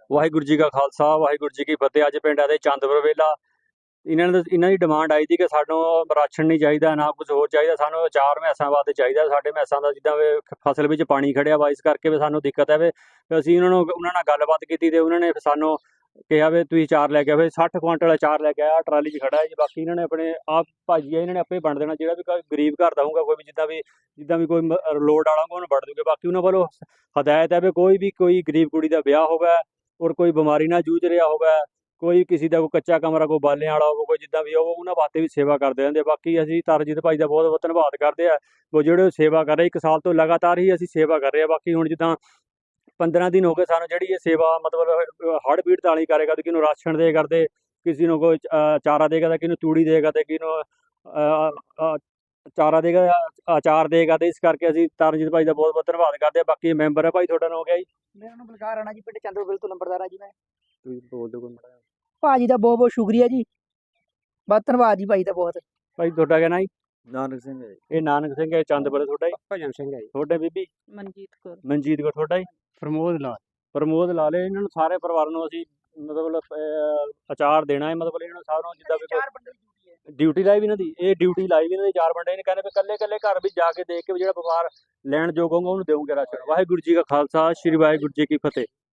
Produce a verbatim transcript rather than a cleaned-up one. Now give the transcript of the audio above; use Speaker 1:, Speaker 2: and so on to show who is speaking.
Speaker 1: ਵਾਹਿਗੁਰੂ ਜੀ ਕਾ ਖਾਲਸਾ ਵਾਹਿਗੁਰੂ ਜੀ ਕੀ ਫਤਿਹ। ਅੱਜ ਪਿੰਡ ਆਦੇ ਚੰਦਪੁਰ ਵੇਲਾ ਇਹਨਾਂ ਨੇ ਇਹਨਾਂ ਦੀ ਡਿਮਾਂਡ ਆਈ ਸੀ ਕਿ ਸਾਨੂੰ ਰਾਸ਼ਨ ਨਹੀਂ ਚਾਹੀਦਾ, ਨਾ ਕੁਝ ਹੋਰ ਚਾਹੀਦਾ, ਸਾਨੂੰ ਅਚਾਰ ਮੈਸਾਂ ਵਾਸਤੇ ਚਾਹੀਦਾ। ਸਾਡੇ ਮੈਸਾਂ ਦਾ ਜਿੱਦਾਂ ਵੀ ਫਸਲ ਵਿੱਚ ਪਾਣੀ ਖੜਿਆ ਵਾ, ਇਸ ਕਰਕੇ ਵੀ ਸਾਨੂੰ ਦਿੱਕਤ ਹੈ। ਵੀ ਅਸੀਂ ਉਹਨਾਂ ਨੂੰ ਉਹਨਾਂ ਨਾਲ ਗੱਲਬਾਤ ਕੀਤੀ ਤੇ ਉਹਨਾਂ ਨੇ ਸਾਨੂੰ ਕਿਹਾ ਵੀ ਤੁਸੀਂ ਅਚਾਰ ਲੈ ਕੇ ਆਵੇ। ਸੱਠ ਕੁਆਂਟਲ ਅਚਾਰ ਲੈ ਕੇ ਆਇਆ, ਟਰਾਲੀ 'ਚ ਖੜਾ ਹੈ ਜੀ। ਬਾਕੀ ਇਹਨਾਂ ਨੇ ਆਪਣੇ ਆਪ ਭਾਜੀ ਆ, ਇਹਨਾਂ ਨੇ ਆਪੇ ਵੰਡ ਦੇਣਾ। ਜਿਹੜਾ ਵੀ ਕੋਈ ਗਰੀਬ ਘਰ ਦਾ ਹੋਊਗਾ, ਕੋਈ ਵੀ ਜਿੱਦਾਂ ਵੀ ਜਿੱਦਾਂ ਵੀ ਕੋਈ ਮ- ਲੋੜ ਵਾਲਾ ਹੋਊਗਾ ਉਹਨੂੰ ਵੰਡ ਦੂਗੇ। ਬਾਕੀ ਉਹਨਾਂ ਵੱਲੋਂ ਹਦਾਇਤ ਹੈ ਵੀ ਕੋਈ ਵੀ ਕੋਈ ਗਰੀਬ ਕੁੜੀ ਦਾ ਵਿਆਹ ਹੋਗਾ ਔਰ ਕੋਈ ਬਿਮਾਰੀ ਨਾਲ ਜੂਝ ਰਿਹਾ ਹੋਗਾ, ਕੋਈ ਕਿਸੇ ਦਾ ਕੋਈ ਕੱਚਾ ਕਮਰਾ, ਕੋਈ ਬਾਲਿਆਂ ਵਾਲਾ ਹੋਵੇ, ਕੋਈ ਜਿੱਦਾਂ ਵੀ ਹੋਵੇ, ਉਹਨਾਂ ਵਾਸਤੇ ਵੀ ਸੇਵਾ ਕਰਦੇ ਰਹਿੰਦੇ। ਬਾਕੀ ਅਸੀਂ ਤਰਜੀਤ ਭਾਈ ਦਾ ਬਹੁਤ ਬਹੁਤ ਧੰਨਵਾਦ ਕਰਦੇ ਆ, ਉਹ ਜਿਹੜੇ ਸੇਵਾ ਕਰ ਰਹੇ। ਇੱਕ ਸਾਲ ਤੋਂ ਲਗਾਤਾਰ ਹੀ ਅਸੀਂ ਸੇਵਾ ਕਰ ਰਹੇ ਹਾਂ। ਬਾਕੀ ਹੁਣ ਜਿੱਦਾਂ ਪੰਦਰਾਂ ਦਿਨ ਹੋ ਗਏ ਸਾਨੂੰ ਜਿਹੜੀ ਇਹ ਸੇਵਾ ਮਤਲਬ ਹੜ੍ਹ ਪੀੜਤ ਵਾਲੀ ਕਰੇ ਕਰਦੇ, ਕਿਸੇ ਨੂੰ ਰਾਸ਼ਨ ਦੇ ਕਰਦੇ, ਕਿਸੇ ਨੂੰ ਕੋਈ ਅ, ਚਾਰਾ ਦੇ ਕਰਦੇ, ਕਿਸੇ ਨੂੰ ਤੂੜੀ ਦੇ ਕਰਦੇ, ਕਿਸੇ ਨੂੰ ਅ, ਅ, ਚਾਰਾ ਦੇਗਾ, ਅਚਾਰ ਦੇਗਾ। ਤੇ ਇਸ ਕਰਕੇ ਅਸੀਂ ਤਰਨਜੀਤ ਭਾਈ ਦਾ ਬਹੁਤ ਬਹੁਤ ਧੰਨਵਾਦ ਕਰਦੇ ਆ। ਬਾਕੀ ਮੈਂਬਰ ਹੈ ਭਾਈ, ਤੁਹਾਡਾ ਨਾਮ ਹੋ ਗਿਆ ਜੀ?
Speaker 2: ਮੇਰਾ ਨਾਮ ਬਲਕਾਰ ਰਾਣਾ ਜੀ, ਪਿੰਡ ਚੰਦਰਪੁਰ ਤੋਂ ਨੰਬਰਦਾਰ ਆ ਜੀ ਮੈਂ।
Speaker 1: ਤੁਸੀਂ ਬੋਲ ਦਿਓ ਕੋਈ ਮਾੜਾ ਜਿਹਾ।
Speaker 2: ਭਾਜੀ ਦਾ ਬਹੁਤ ਬਹੁਤ ਸ਼ੁਕਰੀਆ ਜੀ, ਬਹੁਤ ਧੰਨਵਾਦ ਜੀ ਭਾਈ ਦਾ ਬਹੁਤ।
Speaker 1: ਭਾਈ ਤੁਹਾਡਾ ਕਿਆ ਨਾਂ ਜੀ?
Speaker 3: ਨਾਨਕ ਸਿੰਘ ਹੈ ਜੀ।
Speaker 1: ਇਹ ਨਾਨਕ ਸਿੰਘ ਹੈ, ਚੰਦਪੁਰ। ਤੁਹਾਡਾ ਜੀ?
Speaker 3: ਭਜਨ ਸਿੰਘ ਹੈ ਜੀ।
Speaker 1: ਤੁਹਾਡੇ ਬੀਬੀ?
Speaker 2: ਮਨਜੀਤ ਕੌਰ।
Speaker 1: ਮਨਜੀਤ ਕੌਰ। ਤੁਹਾਡਾ ਜੀ?
Speaker 3: ਪ੍ਰਮੋਦ ਲਾਲ।
Speaker 1: ਪ੍ਰਮੋਦ ਲਾਲੇ। ਇਹਨਾਂ ਨੂੰ ਸਾਰੇ ਪਰਿਵਾਰ ਨੂੰ ਅਸੀਂ ਮਤਲਬ ਅਹ, ਅਚਾਰ ਦੇਣਾ ਹੈ। ਮਤਲਬ ਇਹਨਾਂ ਨੂੰ ਸਾਰਿਆਂ ਨੂੰ ਜਿੱਦਾਂ ਵੀ
Speaker 2: ਚਾਰ ਬੰਦੇ ਦੀ ਡਿਊਟੀ ਹੈ।
Speaker 1: ਡਿਊਟੀ ਲਾਈ ਵੀ ਇਹਨਾਂ ਦੀ, ਇਹ ਡਿਊਟੀ ਲਾਈ ਵੀ ਇਹਨਾਂ ਦੀ ਚਾਰ ਬੰਦੇ ਨੇ। ਕਹਿੰਦੇ ਵੀ ਇਕੱਲੇ ਇਕੱਲੇ ਘਰ ਵੀ ਜਾ ਕੇ ਦੇਖ ਕੇ ਵੀ ਜਿਹੜਾ ਵਪਾਰ ਲੈਣ ਯੋਗ ਹੋਊਗਾ ਉਹਨੂੰ ਦੇਵਾਂਗੇ ਰਾਸ਼ਨ। ਵਾਹਿਗੁਰੂ ਜੀ ਕਾ ਖਾਲਸਾ, ਸ਼੍ਰੀ ਵਾਹਿਗੁਰੂ ਜੀ ਕੀ ਫਤਿਹ।